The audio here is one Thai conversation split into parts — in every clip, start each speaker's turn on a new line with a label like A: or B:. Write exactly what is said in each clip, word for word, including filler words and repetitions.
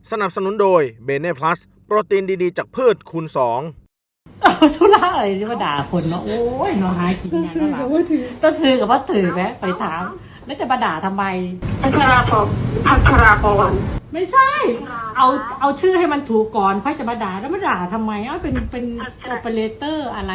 A: สนับสนุนโดยเบเน่พลัสโปรตีนดีๆจากพืชคูณสอง
B: ธุระอะไรที่มาด่าคนเนาะโอ้ยเนาะหากินงานแล้วล่ะก็ซื้อกับว่าถือไหมไปถามแล้วจะมาด่าทำไม
C: พัชราพรพัชราพร
B: ไม่ใช่ เอาเอาชื่อให้มันถูกก่อนค่อยจะมาด่าแล้วมาด่าทำไมเอ้าเป็นเป็นโอเปอเรเตอร์อะไร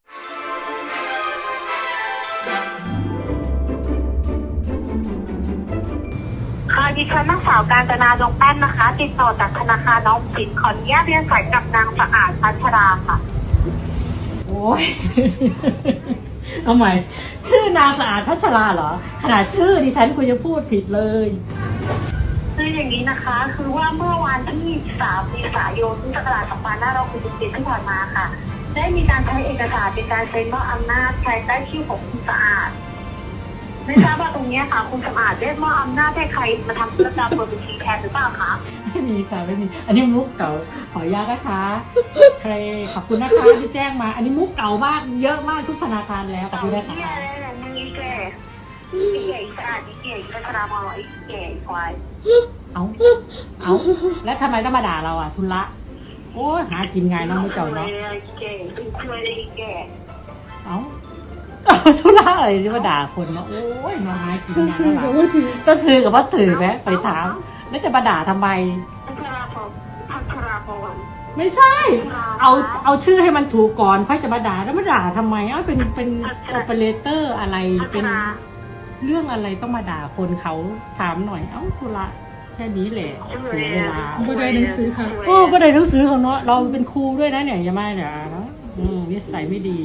C: ค่ะดิฉันนางสาวกาญจนาดวงแป้นนะคะ ติดต่อจากธนาคารออมสินขออนุญาตเรียนสายกับนางสะอาดพัชราค่ะ
B: โอ้ยเอาใหม่ชื่อนางสะอาดพัชราเหรอขนาดชื่อดิฉันคุณจะพูดผิดเลย
C: คืออย่างนี้นะคะคือว่าเมื่อวันที่สามเมษายนพุทธศักราชสองพันห้าร้อยหกสิบเจ็ดที่ผ่านมาค่ะได้มีการใช้เอกสารเป็นการเซ็นมอบอำนาจภายใต้ชื่อของคุณสะอาดไม่ทราบว่าตรงนี้ค่ะคุณสะอาดได้มอบอำนาจให้ใครมาทำธุรกรรมเปิดบัญชีแทนหรือเปล่าคะ
B: ไม่มีค่ะไม่มีอันนี้มุกเก่าขออนุญาตนะคะใครขอบคุณนะคะที่แจ้งมาอันนี้มุกเก่ามากเยอะมากทุกธนาคารแล้วขอบคุณนะคะ
C: นี่อะไรนี่แกนี่แกสะอาดนี่แกพัชราพรไอ้แกควาย
B: เอาเอาแล้วทำไมต้องมาด่าเราอ่ะทุละโอ้หากินไงน้องไม่เจ้าเนาะ
C: แกเป็นเคยได้แก
B: เอาทุละอะไรที่มาด่าคนเนาะโอ้ยน้องหากินไงแล้วล่ะก็ซื้อกับว่าถือไหมไปถามแล้วจะมาด่าทำไม
C: พัชราพรพัชราพร
B: ไม่ใช่ เอาเอาชื่อให้มันถูกก่อนค่อยจะมาด่าแล้วมาด่าทำไมเอ้าเป็นเป็นโอเปอเรเตอร์อะไรเป็นเรื่องอะไรต้องมาด่าคนเขาถามหน่อยเอ้าทุละแค่นี้แหละเสียเวลา
D: บ่ได้หนังสือค่ะ
B: โอ้บ่ได้หนังสือของเนาะเราเป็นครูด้วยนะเนี่ยอย่ามาเดี๋ยวนะอืมนิสัยไม่ดี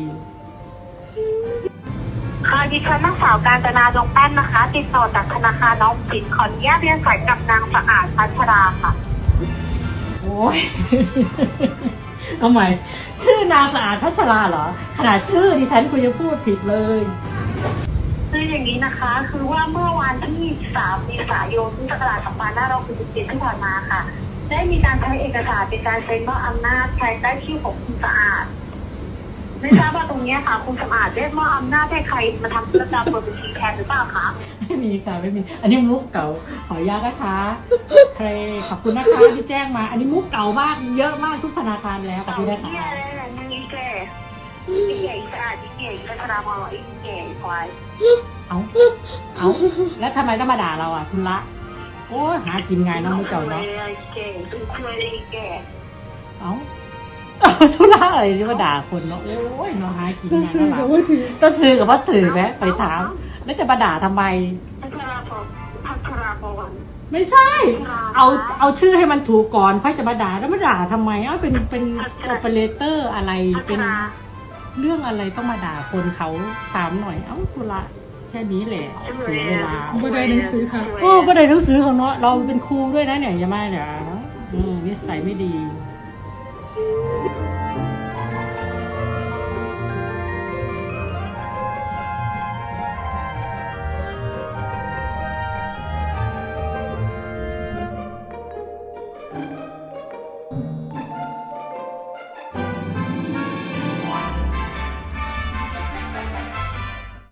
C: ค่ะดิฉันนางสาวกาญจนาดวงแป้นนะคะ ติดต่อจากธนาคารออมสินขออนุญาตเรียนสายกับนางสะอาดพัชราค่ะ
B: โอ้ยเอาใหม่ชื่อนางสะอาดพัชราเหรอขนาดชื่อดิฉันคุณจะพูดผิดเลย
C: คืออย่างนี้นะคะคือว่าเมื่อวันที่สามเมษายนพุทธศักราชสองพันห้าร้อยหกสิบเจ็ดที่ผ่านมาค่ะได้มีการใช้เอกสารเป็นการเซ็นมอบอำนาจภายใต้ชื่อของคุณสะอาดไม่ทราบว่าตรงนี้ค่ะคุณสะอาดได้มอบอำนาจให้ใครมาทำธุรกรรมเปิดบัญชีแทนหรือเปล่าคะ
B: ไม่มีค่ะไม่มีอันนี้มุกเก่าขออนุญาตนะคะใครขอบคุณนะคะที่แจ้งมาอันนี้มุกเก่ามากเยอะมากทุกธนาคารแล้วขอบคุณนะคะ
C: นี่อะไรนี่แกนี่แกสะอาดนี่แกพัชราพรไอ้แกควาย
B: เอาเอาแล้วทำไมต้องมาด่าเราอ่ะทุละโอ้หากินไงน้องไม่เจ้าเนาะ
C: แกเป็นเคยได้แก
B: เอาทุละอะไรที่มาด่าคนเนาะโอ้ยน้องหากินไงแล้วล่ะก็ซื้อกับว่าถือไหมไปถามแล้วจะมาด่าทำไม
C: พัชราพรพัชราพร
B: ไม่ใช่ เอาเอาชื่อให้มันถูกก่อนค่อยจะมาด่าแล้วมาด่าทำไมเอ้าเป็นเป็นโอเปอเรเตอร์อะไรเป็นเรื่องอะไรต้องมาด่าคนเขาถามหน่อยเอ้าทุละแค่นี้แหละเสียเวลา
D: บ่ได้หนังสือค่ะ
B: โอ้บ่ได้หนังสือของเนาะเราเป็นครูด้วยนะเนี่ยอย่ามาเดี๋ยวนะอืมนิสัยไม่ดี